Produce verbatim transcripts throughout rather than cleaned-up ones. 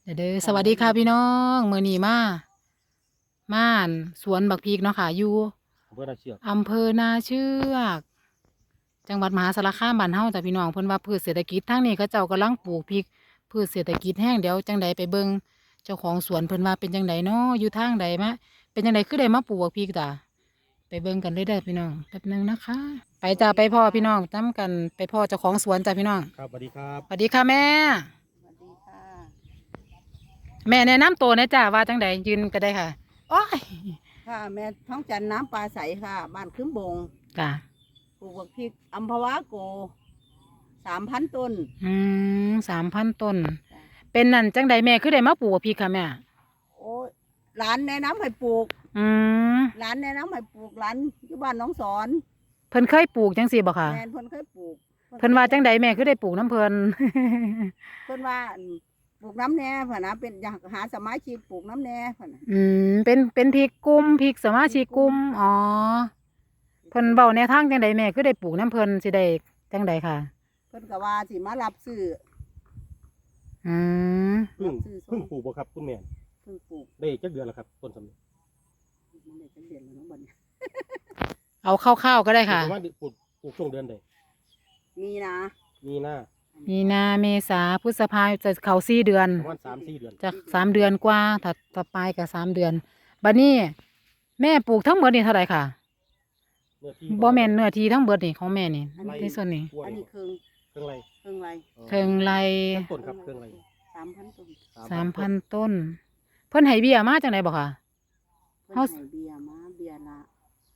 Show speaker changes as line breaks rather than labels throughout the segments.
เด้อเด้อสวัสดีค่ะพี่น้องมื้อนี้มาม่านสวนบักพริกเนาะค่ะอยู่
อำเภอนาเชือก
อำเภอนาเชือกจังหวัดมหาสารคามบ้านเฮาจ้ะพี่น้องเพิ่นว่าพืชเศรษฐกิจทางนี้เขาเจ้ากำลังปลูกพริกพืชเศรษฐกิจแห้งเดี๋ยวจังใดไปเบิ่งเจ้าของสวนเพิ่นว่าเป็นจังใดเนาะอยู่ทางใดมะเป็นจังใดคือได้มาปลูกบักพริกจ้ะไปเบิ่งกันเลยเด้อพี่น้องแป๊บหนึงนะคะ ไปจ้าไปพ่อพี่น้องนํกันไปพ่อเจ้าของสวนจ้ะพี่น้อง
ครับสวัสดีครับ
สวัสดีค่ะแม่
สวัสดีค่ะ
แม่แนะนำตัวหนะจ้าว่าจังใดยืนก็ได้ค่ะโอ้ย
ค่ะแม่ท้องจันน้ำปลาใสค่ะ บ้านขึ้นบง
จ้ะ
ปลูกบักพริกอัมพวาโกสามพันต้น
อืมสามพันต้น เป็นนั่นจังใดแม่คือได้มาปลูกบักพริกค่ะแม่
โอ้ยหลานแนะนำให้ปลูก
อืม
หลานแนะนำให้ปลูกหลานอยู่บ้านหน้องสอน
เพิ่นเคยปลูกจังซี่บ่ค่ะ
แม่นเพิ่นเคยปลูก
เพิ่นว่าจังใดแม่คือได้ปลูกน้ำเพิ่น
เพิ่นว่าอั่นปลูกน้ำแน่เพิ่นนะเป็นอยากหาสมาชิกปลูกน้ำแน่เพิ่นน่ะ
อืมเป็นเป็นพริกกลุ่มพริกสมาชิกกลุ่มอ๋อเพิ่นเว้าแนวทางจังใดแม่คือได้ปลูกน้ำเพิ่นสิได้จังใดค่ะ
เพิ่นก็ว่าสิมารับซื้อ
อืม
เพิ่
รั
ง
บซื้อส่
เพิ่ง
ง
ปลูกบ่ครับคุณแม่
เพิ่งปลูก
ได้จักเดือนแล้วครับต้นสำเร็จ
มันได้จังเดือนแล้วเนาะบัดนี้
เอาคร่าวๆก็ได้ค่ะ
ประมาณปลูกปลูกช่วงเดือนใด
มีนะ
มีหน้า
มีนาเมษาพฤษภาจะเข้าสี่เดือน
ประมาณสามสี่เดือน
จะสามเดือนกว่าถ้าถ้าปลายก็สามเดือนบัดนี้แม่ปลูกทั้งหมดนี่เท่าไหร่ค่ะ
เนื้อที่
บ่แม่นเนื้อที่ทั้งเบิดนี่ของแม่นี่
ไร่
ในส่วนนี้
กล้วย
อันนี้ครึ่ง
เครื่องไร
ครึ่งไร
เทิงไร
เครื่องต้นครับเครื่องไร
สามพันต้น
สามพันต้น เพิ่นให้เบี้ยมาจังไดบ่ค่ะ
เพิ่น
เฮา
ให้เบียร์มาเบียร์ละ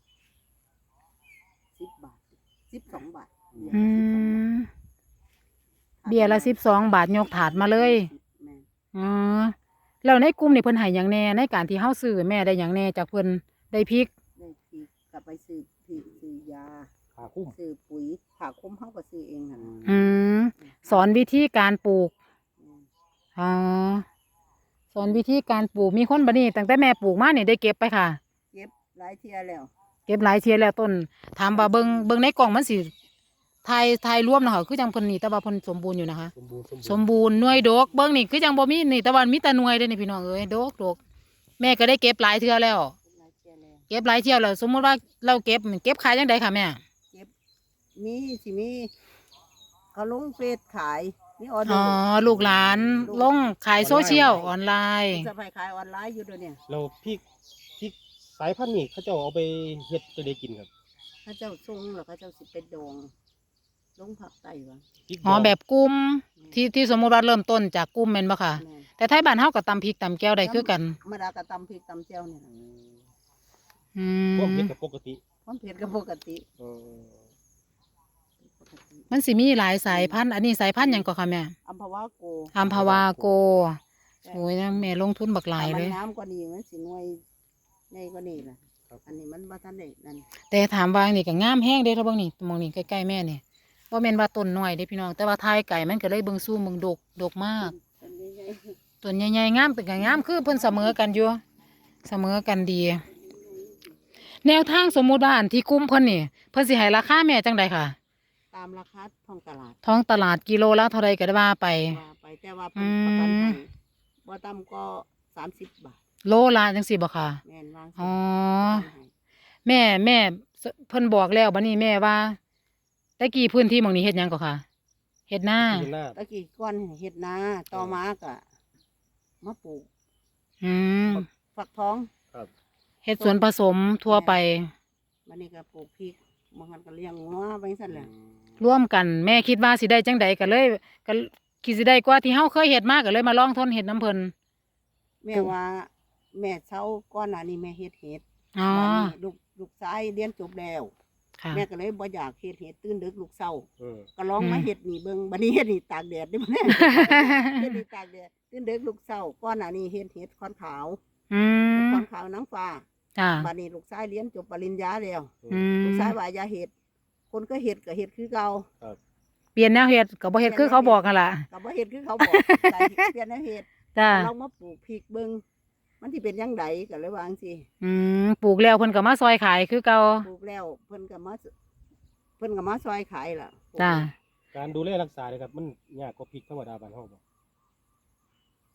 สิบบาทสิบสองบาทเบียร์
อื
ละสิบสองบาท
มเบี้ยละสิบสองบาทยกถาดมาเลย
แม่น
อ๋อแล้วในกลุ่มนี่เพิ่นให้หยังแหน่ในการที่เฮาซื้อแม่ได้หยังแหน่จากเพิ่นได้พริก
ได้พริกกลับไปซื้อพริกซื้อยา
ขาคุ้ม
ซื้อปุ๋ยผ่าคุ้มเฮาก็ซื้อเองหั่นน่ะ
อืมสอนวิธีการปลูก
แม่น
อ๋อสอนวิธีการปลูกมีคนบัดนี้ตั้งแต่แม่ปลูกมานี่ได้เก็บไปค่ะ
เก็บหลายเที่ยแล้ว
เก็บหลายเทียแล้วต้นถามว่าเบิงเบิงในกล่องมันสิทายทายรวมนะคะคือจังเพิ่นนี่แต่ว่าเพิ่นสมบูรณ์อยู่นะคะ
สมบูรณ์
สมบูรณ์หน่วยดกเบิ่งนี่คือจังบ่มีนี่แต่ว่ามีแต่หน่วยเด้อนี่พี่น้องเอ้ยดกดกแม่ก็ได้เก็บหลายเทื่อแล้ว
เก็บหลายเที่ยแล้ว
เก็บหลายเที่ยวแล้วสมมุติว่าเราเก็บเก็บขายจังไดค่ะแม่
เก็บมีสิมีเขาลงเฟซขายมีออเด
อ๋
อ
อ
ร์
ลูกหลานลงขายโซเชียลออนไลน์
จะไปขายออนไลน์อยู่เด้วยวเนี่ย
เราพี่พี่สายพันธุ์นี่เขาเจ้าเอาไปเฮ็ดจะได้กินครับ
ถ้าเจ้าทรงแล้วก็เจ้าสิเป็นดองลงผักไต้วะ
พริก
อ๋อ
ดง
แบบกลุ่มที่ที่สมมุติว่าเริ่มต้นจากกลุ่มแม่นบ่ค่ะ
แม่น
แต่ไทยบ้านเฮาก็ตำพริกตำแก้วได้คือกัน
ธรรมดากระตำพริกตำเจียวเนี่ยนะ
อื
พวก
ม
เฮ็ดกับปกติ
ความเผ็ดก็ปกติ
เออ
ปกติ
มันสิมีหลายสายพันธุ์อันนี้สายพันธุ์หยังก็ค่ะแม่
อัมพวาโก
อัมพวาโกโอ้ยนะแม่ลงทุนบักหลาย
ถ้า
เล
มัน
ย
น้ำกว่านี้มันสิหน่วยใหญ่กว่านี้ล่ะ
ครับ
อันนี้มันบ่ทันได้นั่น
แต่ถามว่านี่ก็งามแห้งเด้อเท่าเบิ่งนี่มองนี่ใกล้ๆแม่นี่บ่แม่นว่าต้นน้อยเด้พี่น้องแต่ว่าทายไก่มันก็เลยเบิ่งสู้เบิ่งดกดกมาก
อันนี้ใหญ่
ต้นใหญ่ๆงามเป็นก็งามคือเพิ่นเสมอกันอยู่เสมอกันดี แนวทางสมมุติว่าอันที่กลุ่มเพิ่นนี่เพิ่นสิให้ราคาแม่จังใดค่ะ
ตามราคาท้องตลาด
ท้องตลาดกิโลละเท่าใดก็ได้ว่าไป
ว่าไปแต่ว่าเพิ่นประกันให้บ่ต่ำก็สามสิบบาท
โลละจังซี่บ่ค่ะ
แม่นวาง
อ๋อ
ให้
แม่แม่เพิ่นบอกแล้วบัดนี้แม่ว่าแต่กี้พื้นที่หม่องนี้เฮ็ดหยังก็ค่ะเฮ็ดนา
มีหน้า
ตะกี้ก้อนเฮ็ดนาต่อมาก็มาปลูก
อืม
ฟักทอง
ครับ
เฮ็ดสวนผสมทั่วไป
บัดนี้ก็ปลูกพริกบางคันก็เลี้ยงงัวไปซั่นแหละ
ร่วมกันแม่คิดว่าสิได้จังใดก็เลยก็คิดสิได้กว่าที่เฮาเคยเฮ็ดมาก็เลยมาลองทนเฮ็ดน้ำเพิ่น
แม่ว่าแม่เช้าก่อนหน้านี้แม่เฮ็ดเห็ด
อ๋อ
บัดนี้ลูกลูกชายเรียนจบแล้ว
ค่ะ
แม่ก็เลยบ่อยากเฮ็ดเห็ดตื่นดึกลูกเช้า
เออ
ก็ลองมา
อืม
เฮ็ดนี่เบิ่งบัดนี้เฮ็ดนี่ตากแดดได้บ่แน่ เฮ็ดนี่ตากแดดตื่นดึกลูกเช้าก่อนหน้านี้เฮ็ดเห็ดคอนขาว
อืม
คอนขาวนางฟ้า
จ้า
บัดนี้ลูกชายเรียนจบปริญญาแล้ว
อืม
ลูกชายว่าอย่าเฮ็ดคนก็เฮ็ดก็เฮ็ดคือเก่า
เปลี่ยนแนวเฮ็ดก็บ่เฮ็ดคือเขาบอกกันล่ะ
ก็บ่เฮ็ดคือเขาบอกแต่เปลี่ยนแนวเฮ็ด
จ้า
เรามาปลูกพริกเบิ่งมันสิเป็นจังไดก็เลยว่าจังซี่
อืมปลูกแล้วเพิ่นก็มาซอยขายคือเก่า
ปลูกแล้วเพิ่นก็มาเพิ่นก็มาซอยขายล่ะ
จ้า
การดูแลรักษาเลยครับมันยากกว่าพริกธรรมดาบ้านเฮาบ่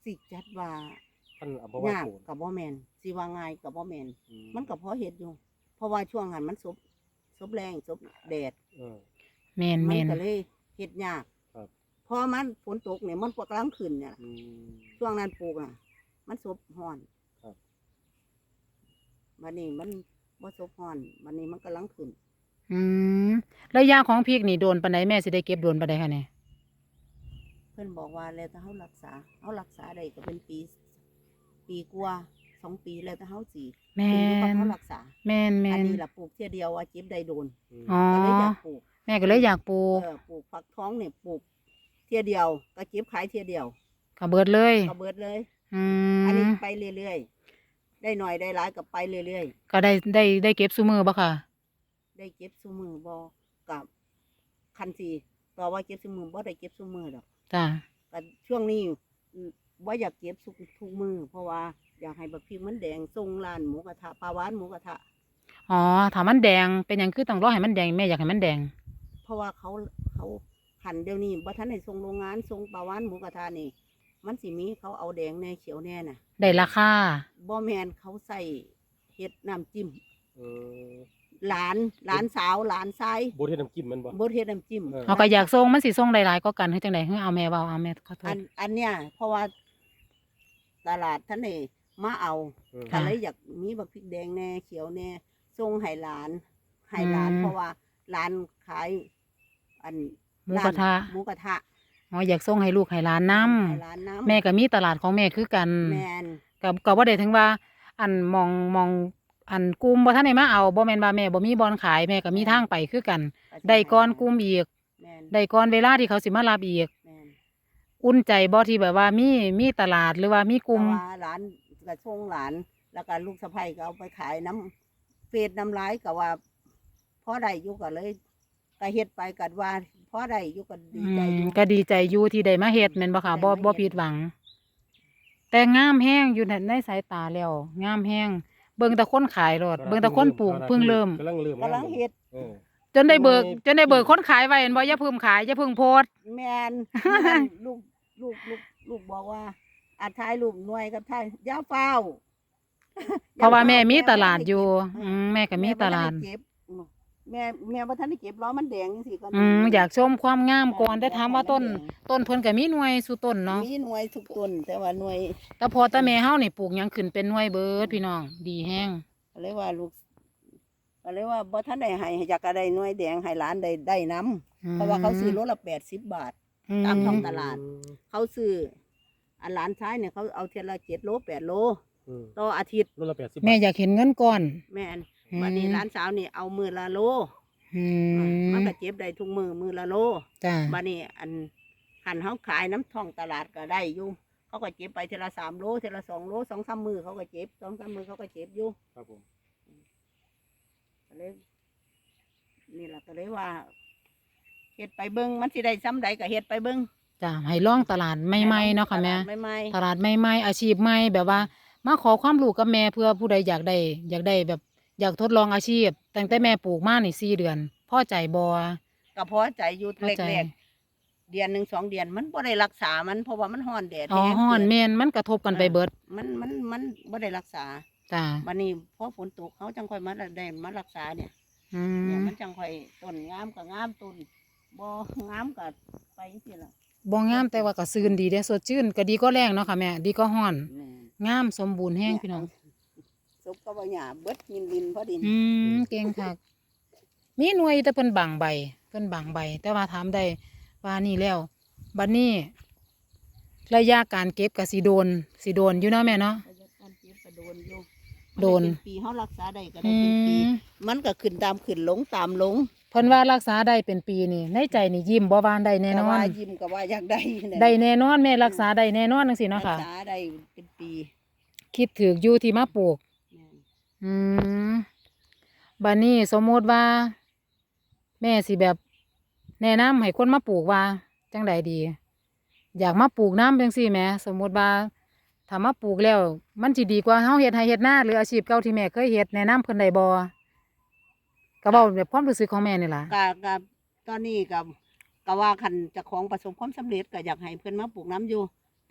สิจัดว่า
ท่านเอาบ่ว่าย
าก
โกน
กับบ่แม่นสิว่าง่ายกับบ่แม่น
อื
มันก็พอเฮ็ดอยู่ เพราะว่าช่วงนั้นมันซบซบแรงซบแดด
เออ
แม่น
มั
แม่น
ก็เลยเฮ็ดยาก
ครับ
พอมันฝนตกเนี่ยมันก็กำลังขึ้นเนี่ย
อืม
ช่วงนั้นปลูกอ่ะ มันซบฮ้อน
ครับ
บัดนี้มันบ่ซบฮ้อนบัดนี้มันกำลังขึ้น
อืมระยะของพริกนี่โดนปานใดแม่สิได้เก็บโดนปานใดคะเนี่ย
เพิ่นบอกว่าแล้วแต่เฮารักษาเฮารักษาได้ก็เป็นปี ปีกว่าสองปีแล้วแต่เฮาสิ
แม่
ขึ้นอยู่กับ
น
เฮารักษา
แม่นแม่
อัน
น
นี้ล่ะปลูกเที่ยเดียวว่าเจ็บได้โดน
อืม
อ๋อ
ก็เลยอยากปลูก
แม่ก็เลยอยากปลูก
เออปลูกฟักทองเนี่ยปลูกเที่ยเดียวก็เก็บขายเที่ยเดียว
ก็เบิดเลย
ก็เบิดเลย
อื
อันนี้
ม
ไปเรื่อยๆได้หน่อยได้หลายก็ไปเรื่อย
ก็ได้ได้ได้เก็บซุมือบ่ค่ะ
ๆได้เก็บซุมือบ่กับคันสีต่อว่าเก็บซุมือบ่ได้เก็บซุมือดอก
จ้ะ
ก็ช่วงนี้อืมบ่อยากเก็บทุกทุกมือเพราะว่าอยากให้บักพริกมันแดงทรงร้านหมูกระทะปลาหวานหมูกระทะ
อ๋อถ้ามันแดงเป็นหยังคือต้องรอให้มันแดงแม่อยากให้มันแดง
เพราะว่าเขาเขาหั่นเดี๋ยวนี้บ่ทันได้ส่งโรงงานส่งปลาหวานหมูกระทะนี่ มันสิมีเขาเอาแดงแน่เขียวแน่น่ะ
ได้ราคา
บ่แม่นเขาใส่เฮ็ดน้ำจิ้ม
เออ
หลานหลานสาวหลานชาย
บ่เฮ็ดน้ำจิ้มมันบ่
บ่เฮ็ดน้ำจิ้ม
เออ
เขาก็อยากส่งมันสิส่งหลายๆก็กันคือจังได๋คือเอาแม่เว้าเอาแม่ขอโท
อั
ษ
นอันเนี้ยเพราะว่าตลาดท่านนี่มาเอา
เออ
ก็เลยอยากมีบักพริกแดงแน่เขียวแน่ส่งให้หลานให้หลาน
อืม
เพราะว่าหลานขาย อัน
หมูกระทะ
หมูกระทะ
อ๋ออยากส่งให้ลูกให้หลานนํ
ให้หลานน้ำ
แม่ก็มีตลาดของแม่คือกัน
แม่น
ก็ก็บ่ได้ถึงว่า อันมองมองอันกลุ่มบ่ทันได้มาเอาบ่แม่นว่าแม่บ่มีบ่อนขายแม่ก็มีทางไปคือกัน
ก็สิ
ได้ก่อนกลุ่มอีก
แม่น
ได้ก่อนเวลาที่เขาสิมารับอีก
แม่น
อุ่นใจบ่ที่แบบว่ามีมีตลาดหรือว่ามีกลุ่ม
แต่ว่าหลานก็ส่งหลาน แล้วก็ลูกสะใภ้ก็เอาไปขายน้ำเฟดน้ำลายก็ว่าพอได้อยู่ก็เลยก็เฮ็ดไปกัว่าพอได้อยู่ก็ดี
อื
ใจอ
ม
ยู่
ก็ดีใจอยู่ที่ได้มาเฮ็ดแม่นบ่ค่ะบ่
ได้มาเฮ็ด
บ่ผิดหวัง แต่งามแฮงอยู่ในในสายตาแล้วงามแฮงเบิ่งแต่คนขายรถเบิ่งแต่คนปลูกเพิ่งเริ่ม
กำลังเริ่ม
กำลังเฮ็ด
เออ
จนได้เบิก
ทำไม
จนได้เบิกคนขายไว้เห็นบ่อย่าเพิ่มขายอย่าเพิ่งโพสต์
แมน ลูกลูกลูกลูกบอกว่าอาถ่ายรูปหน่วยกับถ่ายอยาเฝ้า
เพราะว่าแม่มีตลาด
บ่ทันไ
อยู่
เก็บ
อืมแม่ก็มีตลาด
แม่บ่ทันไเก็บแม่แม่บ่ทันได้เก็บล้อมันแดงจังซี่ก่อน
อืมอยากชมความงามก่อนแต่ถามว่าต้น ต้นเพิ่นก็มีหน่วยสู่ต้นเนาะ
มีหน่วยทุกต้นแต่ว่าหน่วย
แต่พอแต่แม่เฮานี่ปลูกหยังขึ้นเป็นหน่วยเบิดพี่น้อง ดีแฮง
ก็เลยว่าลูกก็เลยว่าบ่ทันได้ให้อยากก็ได้หน่วยแดงให้หลานได้ได้นํเพราะว่าเขาซื้อโลละแปดสิบบาท ตามท้องตลาด เขาซื้ออันหลานชายเนี่ยเขาเอาเทียละเจ็ดโลแปดโล
อืม
ต่ออาทิตย์
โลละแปดสิบ
แม่อยากเห็นเงินก่อน
แม่น
อืม
วันนี้หลานสาวนี่เอามือละโล
อืม
มันก็เจ็บได้ทุกมือมือละโล
จ้า
บัดนี้อันหันเขาขายน้ำท้องตลาดก็ได้อยู่เขาก็เจ็บไปเทละสามโลเทละสองโลสองสามมือเขาก็เจ็บสองสามมือเขาก็เจ็บอยู่
ครับผม
ก็เลยนี่แหละก็เลยว่าเฮ็ดไปเบิ้งมันสิได้ซ้ำใดก็เฮ็ดไปเบิ้ง
จ้าให้ลองตลาดใหม่ๆเนาะค่ะแม่
ไม่ไม่
ตลาดใหม่ๆอาชีพใหม่แบบว่า มาขอความรู้กับแม่เพื่อผู้ใดอยากได้ อยากได้แบบอยากทดลองอาชีพตั้งแต่แม่ปลูกมานี่สี่เดือนพอใจบ่
ก็พอใจอยู่
พอใจ
แรกๆเดือนหนึ่งสองเดือนมันบ่ได้รักษามันเพราะว่ามันฮ้อนแดด
อ๋อ
แห้ง
ฮ้อน
เกิ
แม่นมันกระทบกันไปเบิด
มันมันมันบ่ได้รักษา
จ้า
บัดนี้พอฝนตกเขาจังค่อยมาได้มารักษาเนี่ย
อื
เนี่ย
ม
มันจังค่อยต้นงามก็งามต้นบ่งามก็ไปจังซี่ล่ะ
บ่งามแต่ว่าก็ซื่นดีเด้สดชื่นก็ดีก็แรงเนาะค่ะแม่ดีก็ฮ้อน
แม่
งามสมบูรณ์แฮงพี่น้อง
ศพก็บ่หยาเบิดยินลินพอดิน
อืมเก่งคักมีหน่วยแต่เพิ่นบางใบเพิ่นบางใบ แต่ว่าถามได้ว่านี่แล้วบัดนี้ ระยะการเก็บก็สิโดนสิโดนอยู่เนาะแม่เนาะ
ระยะการเก็บก็โดนอยู่
โดน
มัได้เป็นปีเฮารักษาได้ก็ได้
อื
เป็นปี
ม
มันก็ขึ้นตามขึ้นลงตามลง
เพิ่นว่ารักษาได้เป็นปีนี่ในใจนี่ยิ้มบ่วานได้แน่น
ก็
อน
ว่ายิ้มก็ว่าอยากได้นั่นแหละ
ได้แน่นอนแม่รักษาได้แน่นอนจังซี่เนาะค่ะ
รักษาได้เป็นปี
คิดถูกอยู่ที่มาปลูก
แม่น
อืมบัดนี้สมมุติว่า แม่สิแบบแนะนำให้คนมาปลูกว่าจังใดดี อยากมาปลูกน้ำจังซี่แหมสมมุติว่าถ้ามาปลูกแล้ว มันสิดีกว่าเฮาเฮ็ดไร่เฮ็ดนาหรืออาชีพเก่าที่แม่เคยเฮ็ดแนะนำเพิ่นได้บ่ก็เว้าแบบความรู้สึกของแม่นี่ล่ะ
ก็ก็ตอนนี้ก็ก็ว่าคันเจะของประสบความสำเร็จก็อยากให้เพิ่นมาปลูกน้ำอยู่ เพ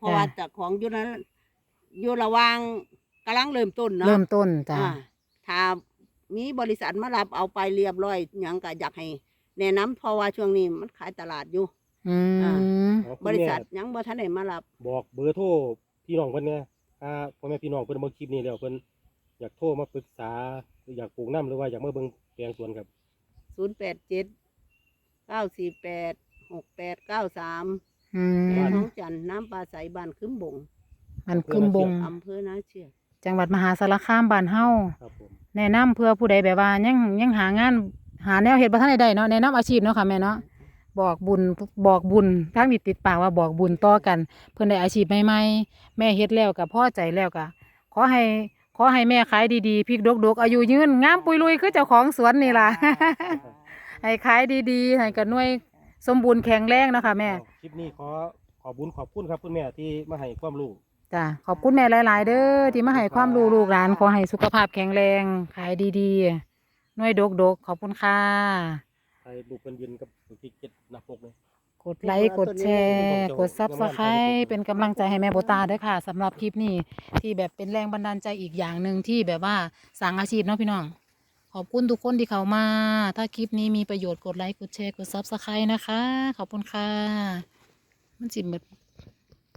ราะว่าเจ้าของอยู่นั้นอยู่ระหว่างกำลังเริ่มต้นเนาะ
เริ่มต้นจ้ะ
อ่าถ้ามีบริษัทมารับเอาไปเรียบร้อยหยังก็อยากให้แนะนำเพราะว่าช่วงนี้มันขายตลาดอยู่
อืม
เอาคุณ
บริ
แม่
ษัทยังบ่ทันได้มารับ
บอกเบอร์โทรพี่น้องเพิ่นเนี่ยถ้าพ่อแม่พี่น้องเพิ่นเบิ่งคลิปนี้แล้วเพิ่นอยากโทรมาปรึกษาหรืออยากปลูกน้ำหรือว่าอยากมาเบิ่งแปลงสวนครับ
ศูนย์ แปด เจ็ด เก้า สี่ แปด หก แปด เก้า สาม
อื
แม่
ม
ท้องจันทร์น้ำปลาใสบ้านคึมบง
มันคึมบง
อำเภอนาเชือก
จังหวัดมหาสารคามบ้านเฮา
ครับผม
แนะนำเพื่อผู้ใดแบบว่ายังยังหางานหาแนวเฮ็ดบ่ทันได้ได้เนาะแนะนำอาชีพเนาะค่ะแม่เนาะบอกบุญบอกบุญทางนี้ติดปากว่าบอกบุญต่อกัน เพิ่นได้อาชีพใหม่ๆแม่เฮ็ดแล้วก็พอใจแล้วก็ขอให้ขอให้แม่ขายดีๆพริกดกๆอายุยืนงามปุยลุยคือเจ้าของสวนนี่ล่ะ ให้ขายดีๆให้กันหน่วยสมบูรณ์แข็งแรงเนาะค่ะแม่
เอาคลิปนี้ขอขอบุญขอบคุณครับคุณแม่ที่มาให้ความรู้
จ้ะขอบคุณแม่หลาย ๆ เด้อที่มาให้ความรู้ลูกหลานขอให้สุขภาพแข็งแรงขายดีๆหน่วยดกๆขอบคุณค่ะ
ให้ลูกเพิ่นยืนกับที่เจ็ดหน้าปกเลย
กดไลค์กดแชร์กดซับสไครต์เป็นกำลังใจให้แม่โบตาด้วยค่ะสำหรับคลิปนี้ที่แบบเป็นแรงบันดาลใจอีกอย่างหนึ่งที่แบบว่าสร้างอาชีพเนาะพี่น้อง ขอบคุณทุกคนที่เข้ามา ถ้าคลิปนี้มีประโยชน์กดไลค์กดแชร์กดซับสไครต์นะคะ ขอบคุณค่ะ มันจิบหมด